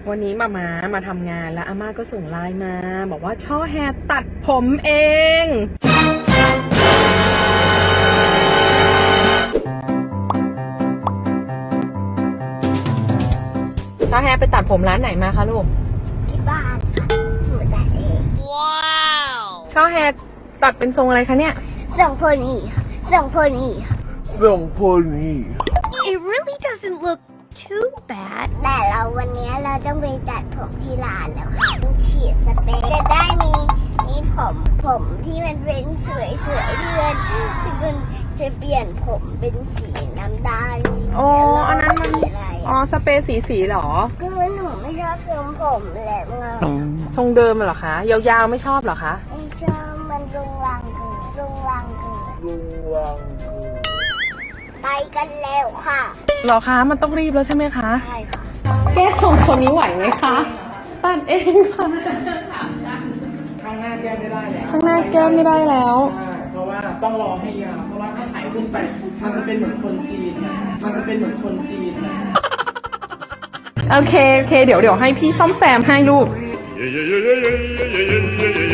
วันนี้มาทำงานแล้วอาม่าก็ส่งไลน์มาบอกว่าช่อแฮร์ตัดผมเองช่อแฮร์ไปตัดผมร้านไหนมาคะลูกที่บ้านค่ะหนูตัดเองว้าวช่อแฮร์ตัดเป็นทรงอะไรคะเนี่ยส่งโพนี่ค่ะส่งโพนี่ค่ะส่งโพนี่ It really doesn't look too bad แต่วันนี้เราต้องไปตัดผมที่ร้านแล้วค่ะต้องฉีดสเปรย์จะได้มีผมที่มันเป็นสวยๆที่มันจะเปลี่ยนผมเป็นสีน้ำตาลอ๋ออันนั้นมันอะไรสเปรย์สีหรอคือหนูไม่ชอบทรงผมแหลมเงาทรงเดิมเหรอคะยาวๆไม่ชอบเหรอคะไม่ชอบมันรุงรังเกินไปกันแล้วค่ะหรอคะมันต้องรีบแล้วใช่ไหมคะใช่ค่ะแก้สองคนนี้ไหวไหมคะตัดเองค่ะข้างหน้าแก้ไม่ได้แล้วข้างหน้าแก้ไม่ได้แล้วเพราะว่าต้องรอให้ยาวเพราะว่าถ้าถ่ายขึ้นไปมันจะเป็นเหมือนคนจีนนะโอเคเดี๋ยวให้พี่ซ่อมแซมให้ลูก